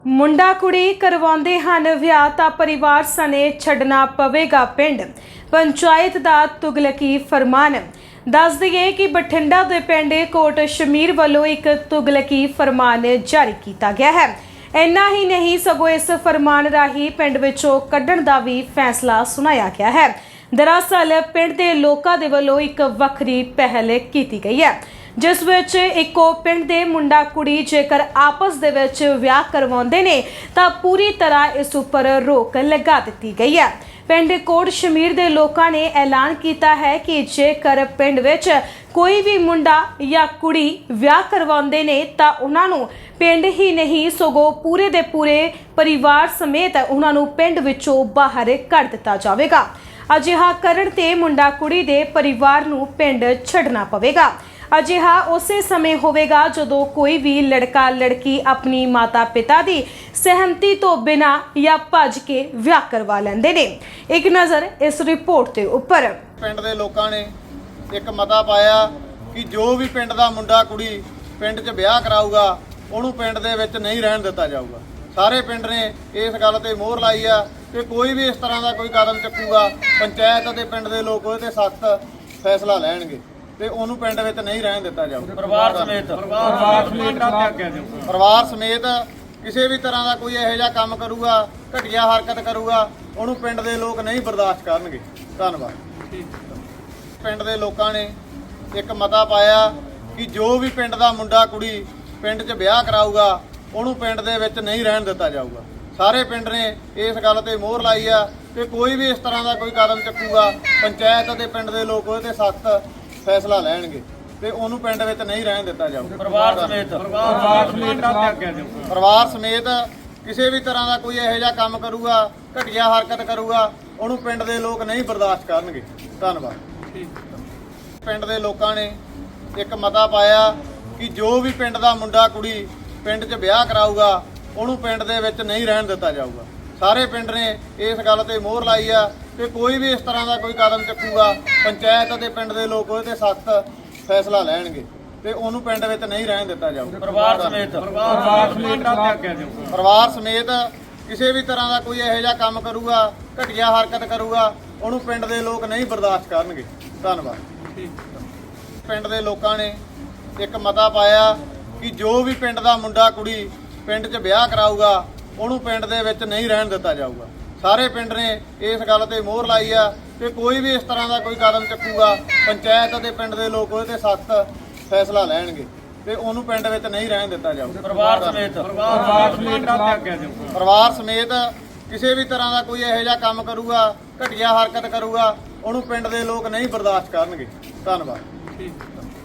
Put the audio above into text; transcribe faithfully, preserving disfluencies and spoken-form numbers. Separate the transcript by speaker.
Speaker 1: ਮੁੰਡਾ ਕੁੜੀ ਕਰਵਾਉਂਦੇ ਹਨ ਵਿਆਹ ਤਾਂ ਪਰਿਵਾਰ ਸਣੇ ਛੱਡਣਾ ਪਵੇਗਾ ਪਿੰਡ। ਪੰਚਾਇਤ ਦਾ ਤੁਗਲਕੀ ਫਰਮਾਨ। ਦੱਸ ਦਈਏ ਕਿ ਬਠਿੰਡਾ ਦੇ ਪਿੰਡ ਕੋਟ ਸ਼ਮੀਰ ਵੱਲੋਂ ਇੱਕ ਤੁਗਲਕੀ ਫਰਮਾਨ ਜਾਰੀ ਕੀਤਾ ਗਿਆ ਹੈ। ਇੰਨਾ ਹੀ ਨਹੀਂ ਸਗੋਂ ਇਸ ਫਰਮਾਨ ਰਾਹੀਂ ਪਿੰਡ ਵਿੱਚੋਂ ਕੱਢਣ ਦਾ ਵੀ ਫੈਸਲਾ ਸੁਣਾਇਆ ਗਿਆ ਹੈ। ਦਰਅਸਲ ਪਿੰਡ ਦੇ ਲੋਕਾਂ ਦੇ ਵੱਲੋਂ ਇੱਕ ਵੱਖਰੀ ਪਹਿਲ ਕੀਤੀ ਗਈ ਹੈ, ਜਿਸ ਵਿੱਚ ਇੱਕੋ ਪਿੰਡ ਦੇ ਮੁੰਡਾ ਕੁੜੀ ਜੇਕਰ ਆਪਸ ਦੇ ਵਿੱਚ ਵਿਆਹ ਕਰਵਾਉਂਦੇ ਨੇ ਤਾਂ ਪੂਰੀ ਤਰ੍ਹਾਂ ਇਸ ਉੱਪਰ ਰੋਕ ਲਗਾ ਦਿੱਤੀ ਗਈ ਹੈ। ਪਿੰਡ ਕੋਟ ਸ਼ਮੀਰ ਦੇ ਲੋਕਾਂ ਨੇ ਐਲਾਨ ਕੀਤਾ ਹੈ ਕਿ ਜੇਕਰ ਪਿੰਡ ਵਿੱਚ ਕੋਈ ਵੀ ਮੁੰਡਾ ਜਾਂ ਕੁੜੀ ਵਿਆਹ ਕਰਵਾਉਂਦੇ ਨੇ ਤਾਂ ਉਹਨਾਂ ਨੂੰ ਪਿੰਡ ਹੀ ਨਹੀਂ ਸਗੋਂ ਪੂਰੇ ਦੇ ਪੂਰੇ ਪਰਿਵਾਰ ਸਮੇਤ ਉਹਨਾਂ ਨੂੰ ਪਿੰਡ ਵਿੱਚੋਂ ਬਾਹਰ ਕੱਢ ਦਿੱਤਾ ਜਾਵੇਗਾ। ਅਜਿਹਾ ਕਰਨ ਤੇ ਮੁੰਡਾ ਕੁੜੀ ਦੇ ਪਰਿਵਾਰ ਨੂੰ ਪਿੰਡ ਛੱਡਣਾ ਪਵੇਗਾ। ਅਜਿਹਾ ਉਸੇ ਸਮੇਂ ਹੋਵੇਗਾ ਜਦੋਂ ਕੋਈ ਵੀ ਲੜਕਾ ਲੜਕੀ ਆਪਣੀ ਮਾਤਾ ਪਿਤਾ ਦੀ ਸਹਿਮਤੀ ਤੋਂ ਬਿਨਾਂ ਜਾਂ ਭੱਜ ਕੇ ਵਿਆਹ ਕਰਵਾ ਲੈਂਦੇ ਨੇ। ਇੱਕ ਨਜ਼ਰ ਇਸ ਰਿਪੋਰਟ ਦੇ ਉੱਪਰ।
Speaker 2: ਪਿੰਡ ਦੇ ਲੋਕਾਂ ਨੇ ਇੱਕ ਮਤਾ ਪਾਇਆ ਕਿ ਜੋ ਵੀ ਪਿੰਡ ਦਾ ਮੁੰਡਾ ਕੁੜੀ ਪਿੰਡ 'ਚ ਵਿਆਹ ਕਰਾਊਗਾ ਉਹਨੂੰ ਪਿੰਡ ਦੇ ਵਿੱਚ ਨਹੀਂ ਰਹਿਣ ਦਿੱਤਾ ਜਾਊਗਾ। ਸਾਰੇ ਪਿੰਡ ਨੇ ਇਸ ਗੱਲ ਤੇ ਮੋਹਰ ਲਾਈ ਆ ਕਿ ਕੋਈ ਵੀ ਇਸ ਤਰ੍ਹਾਂ ਦਾ ਕੋਈ ਕਦਮ ਚੱਕੂਗਾ ਪੰਚਾਇਤ ਅਤੇ ਪਿੰਡ ਦੇ ਲੋਕ ਉਹਦੇ ਤੇ ਸਖਤ ਫੈਸਲਾ ਲੈਣਗੇ ਤੇ ਉਹਨੂੰ ਪਿੰਡ ਵਿੱਚ ਨਹੀਂ ਰਹਿਣ ਦਿੱਤਾ ਜਾਊਗਾ।
Speaker 3: ਪਰਿਵਾਰ ਸਮੇਤ ਪਰਿਵਾਰ ਸਮੇਤ ਤਿਆਗਿਆ ਜਾਊਗਾ।
Speaker 2: ਪਰਿਵਾਰ ਸਮੇਤ ਕਿਸੇ ਵੀ ਤਰ੍ਹਾਂ ਦਾ ਕੋਈ ਇਹੋ ਜਿਹਾ ਕੰਮ ਕਰੂਗਾ, ਘਟੀਆ ਹਰਕਤ ਕਰੂਗਾ, ਉਹਨੂੰ ਪਿੰਡ ਦੇ ਲੋਕ ਨਹੀਂ ਬਰਦਾਸ਼ਤ ਕਰਨਗੇ। ਧੰਨਵਾਦ। ਪਿੰਡ ਦੇ ਲੋਕਾਂ ਨੇ ਇੱਕ ਮਤਾ ਪਾਇਆ ਕਿ ਜੋ ਵੀ ਪਿੰਡ ਦਾ ਮੁੰਡਾ ਕੁੜੀ ਪਿੰਡ 'ਚ ਵਿਆਹ ਕਰਾਊਗਾ ਉਹਨੂੰ ਪਿੰਡ ਦੇ ਵਿੱਚ ਨਹੀਂ ਰਹਿਣ ਦਿੱਤਾ ਜਾਊਗਾ। ਸਾਰੇ ਪਿੰਡ ਨੇ ਇਸ ਗੱਲ ਤੇ ਮੋਹਰ ਲਾਈ ਆ ਕਿ ਕੋਈ ਵੀ ਇਸ ਤਰ੍ਹਾਂ ਦਾ ਕੋਈ ਕਦਮ ਚੱਕੂਗਾ ਪੰਚਾਇਤ ਅਤੇ ਪਿੰਡ ਦੇ ਲੋਕ ਉਹਦੇ ਤੇ ਸਖਤ ਫੈਸਲਾ ਲੈਣਗੇ ਤੇ ਉਹਨੂੰ ਪਿੰਡ ਵਿੱਚ ਨਹੀਂ ਰਹਿਣ ਦਿੱਤਾ ਜਾਊਗਾ।
Speaker 3: ਪਰਿਵਾਰ ਸਮੇਤ ਪਰਿਵਾਰ ਸਮੇਤ ਤਿਆਗਿਆ ਜਾਊਗਾ।
Speaker 2: ਪਰਿਵਾਰ ਸਮੇਤ ਕਿਸੇ ਵੀ ਤਰ੍ਹਾਂ ਦਾ ਕੋਈ ਇਹੋ ਜਿਹਾ ਕੰਮ ਕਰੂਗਾ, ਘਟੀਆ ਹਰਕਤ ਕਰੂਗਾ, ਉਹਨੂੰ ਪਿੰਡ ਦੇ ਲੋਕ ਨਹੀਂ ਬਰਦਾਸ਼ਤ ਕਰਨਗੇ। ਧੰਨਵਾਦ। ਪਿੰਡ ਦੇ ਲੋਕਾਂ ਨੇ ਇੱਕ ਮਤਾ ਪਾਇਆ ਕਿ ਜੋ ਵੀ ਪਿੰਡ ਦਾ ਮੁੰਡਾ ਕੁੜੀ ਪਿੰਡ 'ਚ ਵਿਆਹ ਕਰਾਊਗਾ ਉਹਨੂੰ ਪਿੰਡ ਦੇ ਵਿੱਚ ਨਹੀਂ ਰਹਿਣ ਦਿੱਤਾ ਜਾਊਗਾ। ਸਾਰੇ ਪਿੰਡ ਨੇ ਇਸ ਗੱਲ ਤੇ ਮੋਹਰ ਲਾਈ ਆ ਕਿ ਕੋਈ ਵੀ ਇਸ ਤਰ੍ਹਾਂ ਦਾ ਕੋਈ ਕਦਮ ਚੱਕੂਗਾ ਪੰਚਾਇਤ ਅਤੇ ਪਿੰਡ ਦੇ ਲੋਕ ਉਹਦੇ ਤੇ ਸਖਤ ਫੈਸਲਾ ਲੈਣਗੇ ਤੇ ਉਹਨੂੰ ਪਿੰਡ ਵਿੱਚ ਨਹੀਂ ਰਹਿਣ ਦਿੱਤਾ ਜਾਊਗਾ।
Speaker 3: ਪਰਿਵਾਰ ਸਮੇਤ ਪਰਿਵਾਰ ਸਮੇਤ ਤਿਆਗਿਆ ਜਾਊਗਾ।
Speaker 2: ਪਰਿਵਾਰ ਸਮੇਤ ਕਿਸੇ ਵੀ ਤਰ੍ਹਾਂ ਦਾ ਕੋਈ ਇਹੋ ਜਿਹਾ ਕੰਮ ਕਰੂਗਾ, ਘਟੀਆ ਹਰਕਤ ਕਰੂਗਾ, ਉਹਨੂੰ ਪਿੰਡ ਦੇ ਲੋਕ ਨਹੀਂ ਬਰਦਾਸ਼ਤ ਕਰਨਗੇ। ਧੰਨਵਾਦ। ਪਿੰਡ ਦੇ ਲੋਕਾਂ ਨੇ ਇੱਕ ਮਤਾ ਪਾਇਆ ਕਿ ਜੋ ਵੀ ਪਿੰਡ ਦਾ ਮੁੰਡਾ ਕੁੜੀ ਪਿੰਡ 'ਚ ਵਿਆਹ ਕਰਾਊਗਾ ਉਹਨੂੰ ਪਿੰਡ ਦੇ ਵਿੱਚ ਨਹੀਂ ਰਹਿਣ ਦਿੱਤਾ ਜਾਊਗਾ। ਸਾਰੇ ਪਿੰਡ ਨੇ ਇਸ ਗੱਲ ਤੇ ਮੋਹਰ ਲਾਈ ਆ ਕਿ ਕੋਈ ਵੀ ਇਸ ਤਰ੍ਹਾਂ ਦਾ ਕੋਈ ਕਦਮ ਚੱਕੂਗਾ ਪੰਚਾਇਤ ਅਤੇ ਪਿੰਡ ਦੇ ਲੋਕ ਉਹਦੇ ਤੇ ਸਖਤ ਫੈਸਲਾ ਲੈਣਗੇ ਤੇ ਉਹਨੂੰ ਪਿੰਡ ਵਿੱਚ ਨਹੀਂ ਰਹਿਣ ਦਿੱਤਾ ਜਾਊਗਾ।
Speaker 3: ਪਰਿਵਾਰ ਸਮੇਤ ਪਰਿਵਾਰ ਸਮੇਤ ਤਿਆਗਿਆ ਜਾਊਗਾ।
Speaker 2: ਪਰਿਵਾਰ ਸਮੇਤ ਕਿਸੇ ਵੀ ਤਰ੍ਹਾਂ ਦਾ ਕੋਈ ਇਹੋ ਜਿਹਾ ਕੰਮ ਕਰੂਗਾ, ਘਟੀਆ ਹਰਕਤ ਕਰੂਗਾ, ਉਹਨੂੰ ਪਿੰਡ ਦੇ ਲੋਕ ਨਹੀਂ ਬਰਦਾਸ਼ਤ ਕਰਨਗੇ। ਧੰਨਵਾਦ।